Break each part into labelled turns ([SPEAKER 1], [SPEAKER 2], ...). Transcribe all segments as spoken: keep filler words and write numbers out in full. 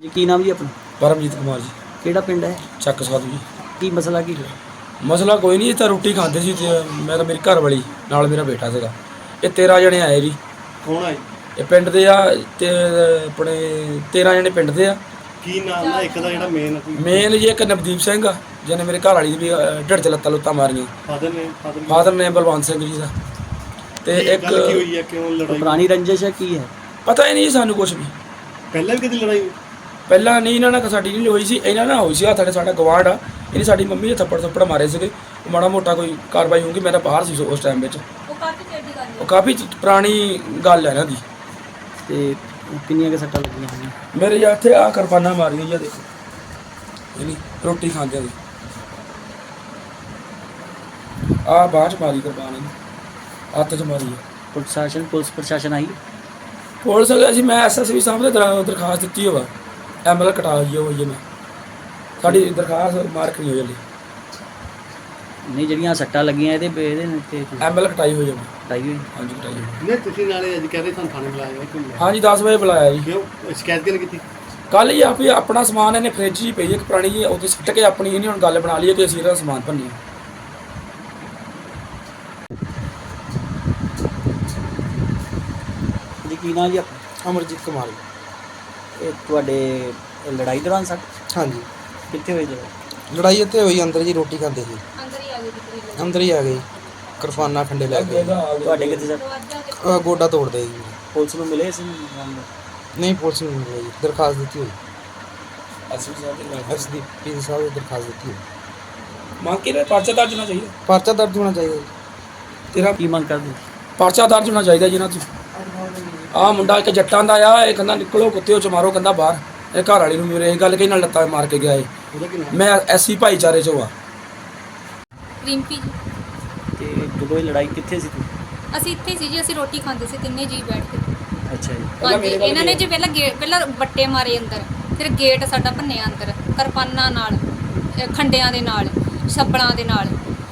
[SPEAKER 1] ਜੀ ਕੀ ਨਾਮ ਜੀ ਆਪਣਾ?
[SPEAKER 2] ਪਰਮਜੀਤ ਕੁਮਾਰ ਜੀ।
[SPEAKER 1] ਕਿਹੜਾ ਪਿੰਡ ਹੈ?
[SPEAKER 2] ਚੱਕ ਸਾਧੂ ਜੀ।
[SPEAKER 1] ਕੀ ਮਸਲਾ ਕੀ ਹੈ?
[SPEAKER 2] ਮਸਲਾ ਕੋਈ ਨਹੀਂ, ਇੱਥੇ ਰੋਟੀ ਖਾਂਦੇ ਸੀ ਤੇ ਮੈਂ ਤਾਂ ਮੇਰੀ ਘਰ ਵਾਲੀ ਨਾਲ ਮੇਰਾ ਬੇਟਾ ਸੀਗਾ। ਇਹ ਤੇਰਾਂ ਜਣੇ ਆਏ ਜੀ।
[SPEAKER 3] ਕੌਣ ਆਏ?
[SPEAKER 2] ਇਹ ਪਿੰਡ ਦੇ ਆ ਤੇ ਆਪਣੇ ਤੇਰਾਂ ਜਣੇ ਪਿੰਡ ਦੇ ਆ।
[SPEAKER 3] ਕੀ ਨਾਮ ਦਾ ਇੱਕ ਦਾ ਜਿਹੜਾ ਮੇਨ
[SPEAKER 2] ਮੇਨ ਜੀ ਇੱਕ ਨਵਦੀਪ ਸਿੰਘ ਆ ਜਿਹਨੇ ਮੇਰੇ ਘਰ ਵਾਲੀ ਦੀ ਵੀ ਢਿੱਡ 'ਚ ਲੱਤਾਂ ਲੁੱਤਾਂ ਮਾਰੀਆਂ।
[SPEAKER 3] ਫਾਦਰ ਨੇ
[SPEAKER 2] ਫਾਦਰ ਨੇ ਬਲਵੰਤ ਸਿੰਘ ਜੀ ਦਾ। ਤੇ ਇੱਕ
[SPEAKER 3] ਗੱਲ ਕੀ ਹੋਈ ਹੈ, ਕਿਉਂ ਲੜਾਈ?
[SPEAKER 1] ਪੁਰਾਣੀ ਰੰਜਿਸ਼ ਹੈ ਕੀ ਹੈ?
[SPEAKER 2] ਪਤਾ ਹੀ ਨਹੀਂ ਸਾਨੂੰ ਕੁਝ ਵੀ।
[SPEAKER 3] ਪਹਿਲਾਂ ਵੀ ਕਦੀ ਲੜਾਈ ਹੋਈ?
[SPEAKER 2] ਪਹਿਲਾਂ ਨਹੀਂ, ਇਹਨਾਂ ਨਾਲ ਸਾਡੀ ਨਹੀਂ ਹੋਈ ਸੀ, ਇਹਨਾਂ ਨਾਲ ਹੋਈ ਸੀ। ਹੱਥ ਸਾਡਾ ਗਵਾਂਢ ਆ, ਇਹਨੇ ਸਾਡੀ ਮੰਮੀ ਨੇ ਥੱਪੜ ਥੱਪੜ ਮਾਰੇ ਸੀਗੇ। ਉਹ ਮਾੜਾ ਮੋਟਾ ਕੋਈ ਕਾਰਵਾਈ ਹੋਊਗੀ। ਮੈਂ ਤਾਂ ਬਾਹਰ ਸੀ ਉਸ ਟਾਈਮ ਵਿੱਚ।
[SPEAKER 4] ਉਹ ਕਾਫੀ ਚਿਰ ਦੀ ਗੱਲ ਹੈ।
[SPEAKER 2] ਉਹ ਕਾਫੀ ਪੁਰਾਣੀ ਗੱਲ ਹੈ ਇਹਨਾਂ ਦੀ।
[SPEAKER 1] ਤੇ ਕਿੰਨੀਆਂ ਕੁ ਸੱਟਾਂ ਲੱਗੀਆਂ ਹੋਈਆਂ?
[SPEAKER 2] ਮੇਰੇ ਜਾਂ ਇੱਥੇ ਆ ਕਿਰਪਾਨਾਂ ਮਾਰੀਆਂ ਜੀ, ਦੇਖੋ ਇਹਨੀ ਰੋਟੀ ਖਾਂਦੇ ਦੀ ਆ ਬਾਅਦ ਚ ਮਾਰੀ ਕਿਰਪਾਨ ਇਹਨੂੰ, ਹੱਥ 'ਚ ਮਾਰੀ ਹੈ।
[SPEAKER 1] ਪ੍ਰਸ਼ਾਸਨ ਪੁਲਿਸ ਪ੍ਰਸ਼ਾਸਨ ਆਈ?
[SPEAKER 2] ਪੁਲਿਸ ਅਸੀਂ ਮੈਂ ਐਸ ਐਸ ਵੀ ਸਾਹਿਬ ਦੇ ਦਰ- ਦਰਖਾਸਤ ਦਿੱਤੀ ਹੋਵਾ। ਐਮ ਐਲ ਕਟਾ ਹੋਈ ਹੋਈ ਹੈ। ਮੈਂ ਸਾਡੀ ਦਰਖਾਸਤ ਮਾਰਕ ਨਹੀਂ ਹੋਈ ਹਲੇ।
[SPEAKER 1] ਨਹੀਂ ਜਿਹੜੀਆਂ ਸੱਟਾਂ ਲੱਗੀਆਂ ਇਹਦੇ ਇਹਦੇ ਤੇ
[SPEAKER 2] ਐਮ ਐਲ ਕਟਾਈ ਹੋਈ ਹੈ। ਮੈਂ
[SPEAKER 1] ਕਟਾਈ ਹੋਈ?
[SPEAKER 2] ਹਾਂਜੀ ਕਟਾਈ ਹੋਈ।
[SPEAKER 3] ਨਹੀਂ ਤੁਸੀਂ ਨਾਲੇ ਅੱਜ ਕਹਿ ਰਹੇ ਤੁਹਾਨੂੰ ਥਾਣੇ ਬੁਲਾਇਆ ਹੈ, ਕਿਉਂ ਬੁਲਾਇਆ?
[SPEAKER 2] ਹਾਂਜੀ ਦਸ ਵਜੇ ਬੁਲਾਇਆ ਜੀ।
[SPEAKER 3] ਕਿਉਂ ਸ਼ਿਕਾਇਤ ਕਿਹਨੇ ਕੀਤੀ?
[SPEAKER 2] ਕੱਲ ਹੀ ਆਪ ਹੀ ਆਪਣਾ ਸਮਾਨ ਇਹਨੇ ਫ੍ਰਿਜ 'ਚ ਹੀ ਪਈ ਇੱਕ ਪੁਰਾਣੀ ਜੀ, ਉਹਦੇ ਸੁੱਟ ਕੇ ਆਪਣੀ ਇਹਨੇ ਹੁਣ ਗੱਲ ਬਣਾ ਲਈ ਹੈ ਕਿ ਅਸੀਂ ਇਹਦਾ ਸਮਾਨ ਭੰਨੀਏ।
[SPEAKER 1] ਜੀ ਕੀ ਨਾਮ ਜੀ ਆਪਣਾ?
[SPEAKER 5] ਅਮਰਜੀਤ ਕੁਮਾਰ ਜੀ।
[SPEAKER 1] ਇਹ ਤੁਹਾਡੇ ਲੜਾਈ ਦੌਰਾਨ ਸੱਟ
[SPEAKER 5] ਹਾਂਜੀ,
[SPEAKER 1] ਕਿੱਥੇ ਹੋਈ ਲੜਾਈ?
[SPEAKER 5] ਲੜਾਈ ਇੱਥੇ ਹੋਈ ਅੰਦਰ ਜੀ, ਰੋਟੀ ਖਾਂਦੇ ਸੀ।
[SPEAKER 4] ਅੰਦਰ ਹੀ ਆ ਗਈ ਦਿੱਕਰੀ
[SPEAKER 5] ਅੰਦਰ ਹੀ ਆ ਗਏ, ਕਿਰਪਾਨਾਂ ਖੰਡੇ ਲੈ ਗਏ।
[SPEAKER 1] ਤੁਹਾਡੇ ਕਿੱਥੇ ਸੱਟ?
[SPEAKER 5] ਅਹ ਗੋਡਾ ਤੋੜਦੇ ਜੀ।
[SPEAKER 1] ਪੁਲਿਸ ਨੂੰ ਮਿਲੇ ਇਸ ਮਾਮਲੇ?
[SPEAKER 5] ਨਹੀਂ, ਪੁਲਿਸ ਨੂੰ ਨਹੀਂ ਮਿਲੀ ਜੀ, ਦਰਖਾਸਤ ਦਿੱਤੀ ਹੋਈ।
[SPEAKER 2] ਅਸੀਂ ਸਾਹਿਬ ਦੇ ਨਾਲ
[SPEAKER 5] ਐਸ ਡੀ ਪੀ ਸਾਹਿਬ ਨੇ ਦਰਖਾਸਤ ਦਿੱਤੀ ਹੋਈ।
[SPEAKER 2] ਮੰਗ ਕੇ ਨਾ ਪਰਚਾ ਦਰਜ ਹੋਣਾ ਚਾਹੀਦਾ।
[SPEAKER 5] ਪਰਚਾ ਦਰਜ ਹੋਣਾ ਚਾਹੀਦਾ ਜੀ।
[SPEAKER 2] ਤੇਰਾ
[SPEAKER 1] ਕੀ ਮੰਗ ਕਰਦੇ?
[SPEAKER 2] ਪਰਚਾ ਦਰਜ ਹੋਣਾ ਚਾਹੀਦਾ ਜਿਹਨਾਂ ਤੋਂ ਆਹ ਮੁੰਡਾ ਇੱਕ ਜੱਟਾਂ ਦਾ ਆ। ਇਹ ਕਹਿੰਦਾ ਨਿਕਲੋ ਕੁੱਤਿਓ ਚ ਮਾਰੋ, ਕਹਿੰਦਾ ਬਾਹਰ। ਇਹ ਘਰ ਵਾਲੀ ਨੂੰ ਮੇਰੇ ਇਹ ਗੱਲ ਕਹੀ ਨਾਲ ਲੱਤਾਂ ਮਾਰ ਕੇ ਗਿਆ ਏ।
[SPEAKER 3] ਉਹਦਾ ਕੀ ਨਾਮ?
[SPEAKER 2] ਮੈਂ ਐਸੀ ਭਾਈਚਾਰੇ ਚੋਂ ਆ।
[SPEAKER 4] ਰਿੰਪੀ ਜੀ।
[SPEAKER 1] ਤੇ ਜਦੋਂ ਇਹ ਲੜਾਈ ਕਿੱਥੇ ਸੀ ਤੂੰ?
[SPEAKER 4] ਅਸੀਂ ਇੱਥੇ ਸੀ ਜੀ, ਅਸੀਂ ਰੋਟੀ ਖਾਂਦੇ ਸੀ ਤਿੰਨੇ ਜੀ ਬੈਠ ਕੇ।
[SPEAKER 1] ਅੱਛਾ ਜੀ।
[SPEAKER 4] ਹਾਂਜੀ ਇਹਨਾਂ ਨੇ ਜੀ ਪਹਿਲਾਂ ਗੇਟ ਪਹਿਲਾਂ ਬੱਟੇ ਮਾਰੇ ਅੰਦਰ, ਫਿਰ ਗੇਟ ਸਾਡਾ ਭੰਨਿਆ ਅੰਦਰ ਕਿਰਪਾਨਾਂ ਨਾਲ, ਅਹ ਖੰਡਿਆਂ ਦੇ ਨਾਲ, ਛੱਪੜਾਂ ਦੇ ਨਾਲ।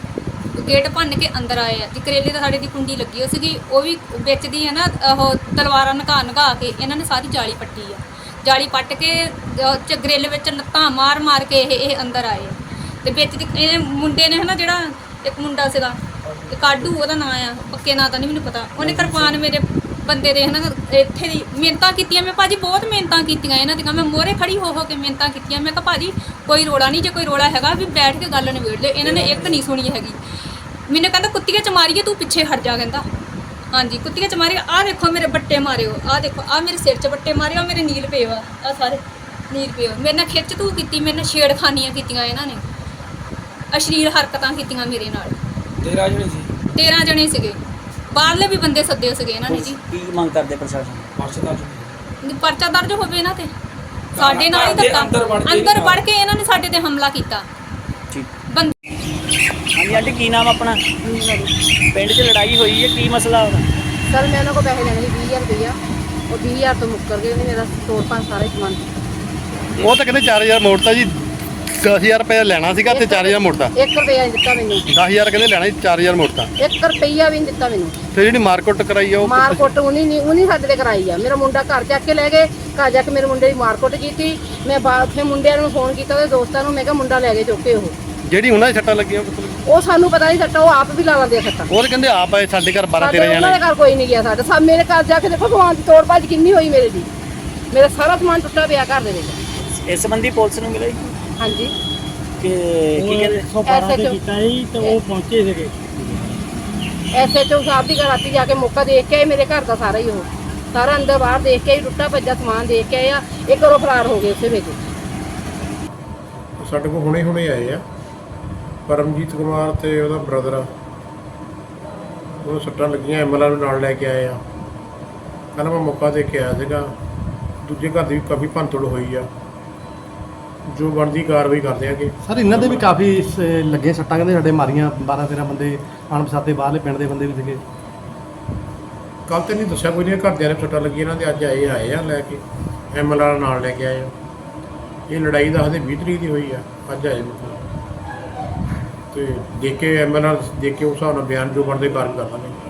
[SPEAKER 4] ਗੇਟ ਭੰਨ ਕੇ ਅੰਦਰ ਆਏ ਆ ਜੀ। ਕਰੇਲੇ ਤਾਂ ਸਾਡੇ ਦੀ ਕੁੰਡੀ ਲੱਗੀ ਹੋਈ ਸੀਗੀ, ਉਹ ਵੀ ਵਿੱਚ ਦੀ ਹੈ ਨਾ ਉਹ ਤਲਵਾਰਾਂ ਨਕਾ ਨਕਾ ਕੇ ਇਹਨਾਂ ਨੇ ਸਾਰੀ ਜਾਲੀ ਪੱਟੀ ਆ। ਜਾਲੀ ਪੱਟ ਕੇ ਚ ਗਰਿੱਲ ਵਿੱਚ ਲੱਤਾਂ ਮਾਰ ਮਾਰ ਕੇ ਇਹ ਇਹ ਅੰਦਰ ਆਏ ਆ। ਤੇ ਵਿੱਚ ਦੀ ਇਹ ਮੁੰਡੇ ਨੇ ਹੈ ਨਾ ਜਿਹੜਾ ਇੱਕ ਮੁੰਡਾ ਸੀਗਾ ਇਹ ਕਾਡੂ ਉਹਦਾ ਨਾਂ ਆ, ਪੱਕੇ ਨਾਂ ਤਾਂ ਨਹੀਂ ਮੈਨੂੰ ਪਤਾ। ਉਹਨੇ ਕਿਰਪਾਨ ਮੇਰੇ ਬੰਦੇ ਦੇ ਹੈ ਨਾ ਇੱਥੇ ਦੀ ਮਿਹਨਤਾਂ ਕੀਤੀਆਂ। ਮੈਂ ਭਾਜੀ ਬਹੁਤ ਮਿਹਨਤਾਂ ਕੀਤੀਆਂ ਇਹਨਾਂ ਦੀਆਂ। ਮੈਂ ਮੋਹਰੇ ਖੜੀ ਹੋ ਹੋ ਕੇ ਮਿਹਨਤਾਂ ਕੀਤੀਆਂ। ਮੈਂ ਕਿਹਾ ਭਾਜੀ ਕੋਈ ਰੋਲਾ ਨਹੀਂ, ਜੇ ਕੋਈ ਰੋਲਾ ਹੈਗਾ ਵੀ ਬੈਠ ਕੇ ਗੱਲ ਨਿਬੇੜ ਲੈ। ਇਹਨਾਂ ਨੇ ਇੱਕ ਨਹੀਂ ਸੁਣੀ ਹੈਗੀ। ਮੈਨੂੰ ਕਹਿੰਦਾ ਕੁੱਤੀਆਂ ਚ ਮਾਰੀਏ, ਤੂੰ ਪਿੱਛੇ ਹਟ ਜਾ। ਕਹਿੰਦਾ ਹਾਂਜੀ ਕੁੱਤੀਆਂ ਚ ਮਾਰੀ। ਆਹ ਦੇਖੋ ਮੇਰੇ ਬੱਟੇ ਮਾਰਿਓ, ਆਹ ਦੇਖੋ ਆਹ ਮੇਰੇ ਸਿਰ 'ਚ ਬੱਟੇ ਮਾਰਿਓ, ਮੇਰੇ ਨੀਲ ਪਏ ਵਾ, ਆਹ ਸਾਰੇ ਨੀਲ ਪਏ। ਮੇਰੇ ਨਾਲ ਖਿੱਚ ਤੂੰ ਕੀਤੀ, ਮੇਰੇ ਨਾਲ ਛੇੜਖਾਨੀਆਂ ਕੀਤੀਆਂ ਇਹਨਾਂ ਨੇ, ਅਸ਼ਲੀਲ ਹਰਕਤਾਂ ਕੀਤੀਆਂ ਮੇਰੇ ਨਾਲ।
[SPEAKER 2] ਤੇਰਾਂ ਜਣੇ ਸੀ।
[SPEAKER 4] ਤੇਰਾਂ ਜਣੇ ਸੀਗੇ, ਬਾਹਰਲੇ ਵੀ ਬੰਦੇ ਸੱਦੇ ਸੀਗੇ ਇਹਨਾਂ ਨੇ ਜੀ।
[SPEAKER 1] ਕੀ ਮੰਗ ਕਰਦੇ ਪ੍ਰਸ਼ਾਸਨ?
[SPEAKER 2] ਪਰਚਾ ਦਰਜ
[SPEAKER 4] ਪਰਚਾ ਦਰਜ ਹੋਵੇ ਇਹਨਾਂ ਤੇ। ਸਾਡੇ ਨਾਲ ਹੀ
[SPEAKER 2] ਘਰ ਦੇ
[SPEAKER 4] ਧੱਕਾ
[SPEAKER 2] ਅੰਦਰ ਵੜ ਕੇ
[SPEAKER 4] ਅੰਦਰ ਵੜ ਕੇ ਇਹਨਾਂ ਨੇ ਸਾਡੇ ਤੇ ਹਮਲਾ ਕੀਤਾ।
[SPEAKER 1] ਠੀਕ।
[SPEAKER 4] ਬੰਦੇ
[SPEAKER 1] ਹਾਂਜੀ ਆਂਟੀ ਕੀ ਨਾਮ ਆਪਣਾ? ਪਿੰਡ 'ਚ ਲੜਾਈ ਹੋਈ ਹੈ, ਕੀ ਮਸਲਾ ਉਹਦਾ?
[SPEAKER 6] ਸਰ ਮੈਂ ਉਹਨਾਂ ਕੋਲ ਪੈਸੇ ਲੈਣੇ ਸੀ ਵੀਹ ਹਜ਼ਾਰ ਰੁਪਈਆ। ਉਹ ਵੀਹ ਹਜ਼ਾਰ ਤੋਂ ਮੁੱਕਰ ਗਏ। ਉਹਨੇ ਮੇਰਾ ਤੋੜ ਭੰਨ ਸਾਰਾ ਹੀ ਸਮਾਨ।
[SPEAKER 3] ਉਹ ਤਾਂ ਕਹਿੰਦੇ ਚਾਰ ਹਜ਼ਾਰ ਮੋੜਤਾ ਜੀ। ਦਸ ਹਜ਼ਾਰ ਰੁਪਇਆ ਲੈਣਾ ਸੀਗਾ ਤੇ ਚਾਰ ਹਜ਼ਾਰ ਮੋੜਤਾ।
[SPEAKER 6] ਇੱਕ ਰੁਪਈਆ ਨਹੀਂ ਦਿੱਤਾ ਮੈਨੂੰ।
[SPEAKER 3] ਦਸ ਹਜ਼ਾਰ ਕਹਿੰਦੇ ਲੈਣਾ ਸੀ, ਚਾਰ ਹਜ਼ਾਰ ਮੋੜਤਾ।
[SPEAKER 6] ਇੱਕ ਰੁਪਈਆ ਵੀ ਨਹੀਂ ਦਿੱਤਾ ਮੈਨੂੰ।
[SPEAKER 3] ਫਿਰ ਜਿਹੜੀ ਮਾਰਕੁੱਟ ਕਰਾਈ ਆ ਉਹ
[SPEAKER 6] ਮਾਰ ਕੁੱਟ ਉਹਨੀ ਨਹੀਂ ਉਹਨੀ ਸਾਡੇ ਤੇ ਕਰਾਈ ਆ। ਮੇਰਾ ਮੁੰਡਾ ਘਰ ਚੱਕ ਕੇ ਲੈ ਗਏ। ਘਰ ਜਾ ਕੇ ਮੇਰੇ ਮੁੰਡੇ ਦੀ ਮਾਰ ਕੁੱਟ ਕੀਤੀ। ਮੈਂ ਬਾਅਦ ਉੱਥੇ ਮੁੰਡਿਆਂ ਨੂੰ ਫੋਨ ਕੀਤਾ, ਉਹਦੇ ਦੋਸਤਾਂ ਨੂੰ। ਮੈਂ ਕਿਹਾ ਮੁੰਡਾ ਲੈ ਕੇ ਚੁੱਕ ਕੇ ਉਹ
[SPEAKER 3] ਜਿਹੜੀ ਉਹਨਾਂ ਦੀ ਸੱਟਾਂ ਲੱਗੀਆਂ ਮਤਲਬ
[SPEAKER 6] ਉਹ ਸਾਨੂੰ ਪਤਾ ਨਹੀਂ ਸੱਟਾ, ਉਹ ਆਪ ਵੀ ਲਾ ਲੈਂਦੇ ਆ ਸੱਟਾਂ।
[SPEAKER 3] ਉਹ ਤਾਂ ਕਹਿੰਦੇ ਆਪ ਆਏ ਸਾਡੇ ਘਰ ਬਾਰਾਂ
[SPEAKER 6] ਸਾਡੇ
[SPEAKER 3] ਤੇਰਾਂ
[SPEAKER 6] ਉਹਨਾਂ
[SPEAKER 3] ਜਣੇ।
[SPEAKER 6] ਦੇ ਘਰ ਕੋਈ ਨਹੀਂ ਗਿਆ ਸਾਡਾ। ਸਭ ਮੇਰੇ ਘਰ ਜਾ ਕੇ ਦੇਖੋ ਸਮਾਨ ਦੀ ਤੋੜ ਭੱਜ ਕਿੰਨੀ ਹੋਈ ਮੇਰੇ ਦੀ। ਮੇਰਾ ਸਾਰਾ ਸਮਾਨ ਟੁੱਟਾ ਪਿਆ ਘਰ ਦੇ ਵਿੱਚ।
[SPEAKER 1] ਇਸ ਸੰਬੰਧੀ ਪੁਲਿਸ ਨੂੰ ਮਿਲੇ
[SPEAKER 6] ਹਾਂਜੀ
[SPEAKER 1] ਕਿ ਕੀ ਕਹਿੰਦੇ?
[SPEAKER 6] ਐਸਐਚਓ ਕੀਤਾ ਸੀ ਤੇ ਉਹ ਪਹੁੰਚੇ ਸੀਗੇ। ਐਸਐਚਓ ਸਾਹਿਬ ਦੀ ਰਾਤੀ ਜਾ ਕੇ ਮੌਕਾ ਦੇਖ ਕੇ ਆਏ। ਮੇਰੇ ਘਰ ਦਾ ਸਾਰਾ ਹੀ ਉਹ ਸਾਰਾ ਅੰਦਰ ਬਾਹਰ ਦੇਖ ਕੇ ਆਈ, ਟੁੱਟਾ ਭੱਜਾ ਸਮਾਨ ਦੇਖ ਕੇ ਆਏ ਆ। ਇੱਕ ਘਰੋਂ ਫਰਾਰ ਹੋ ਗਏ ਉਸੇ ਵਿੱਚ।
[SPEAKER 7] ਸਾਡੇ ਕੋਲ ਹੁਣੇ ਹੁਣੇ ਆਏ ਆ ਪਰਮਜੀਤ ਕੁਮਾਰ ਤੇ ਉਹਦਾ ਬ੍ਰਦਰ ਆ। ਉਹ ਸੱਟਾਂ ਲੱਗੀਆਂ, ਐਮਐਲਆਰ ਨਾਲ ਲੈ ਕੇ ਆਏ ਆ। ਕਹਿੰਦਾ ਮੈਂ ਮੌਕਾ ਦੇ ਕੇ ਆਇਆ ਸੀਗਾ। ਦੂਜੇ ਘਰ ਦੀ ਵੀ ਕਾਫੀ ਭੰਨਤੋੜ ਹੋਈ ਆ, ਜੋ ਬਣਦੀ ਕਾਰਵਾਈ ਕਰਦੇ ਆਗੇ।
[SPEAKER 8] ਸਰ ਇਹਨਾਂ ਦੇ ਵੀ ਕਾਫੀ ਸ- ਲੱਗੇ ਸੱਟਾਂ, ਕਹਿੰਦੇ ਸਾਡੇ ਮਾਰੀਆਂ ਬਾਰਾਂ ਤੇਰਾਂ ਬੰਦੇ ਅਣਪਛਾਤੇ ਬਾਹਰਲੇ ਪਿੰਡ ਦੇ ਬੰਦੇ ਵੀ ਸੀਗੇ।
[SPEAKER 7] ਕੱਲ੍ਹ ਤੇ ਨਹੀਂ ਦੱਸਿਆ ਕੋਈ ਨਹੀਂ, ਘਰਦਿਆਂ ਨੇ ਸੱਟਾਂ ਲੱਗੀਆਂ ਇਹਨਾਂ ਦੇ। ਅੱਜ ਆਏ ਆਏ ਆ ਲੈ ਕੇ, ਐਮਐਲਆਰ ਨਾਲ ਲੈ ਕੇ ਆਏ ਆ। ਇਹ ਲੜਾਈ ਦੱਸਦੇ ਵੀਹ ਤਰੀਕ ਦੀ ਹੋਈ ਆ। ਅੱਜ ਆਏ ਮਤਲਬ ਤੇ ਦੇਖ ਕੇ ਐਮਐਲਆਰ ਦੇਖ ਕੇ ਉਸ ਹਿਸਾਬ ਨਾਲ ਬਿਆਨ ਜੋ ਬਣਦੇ ਕਾਰਜ ਕਰ ਲਾਂਗੇ।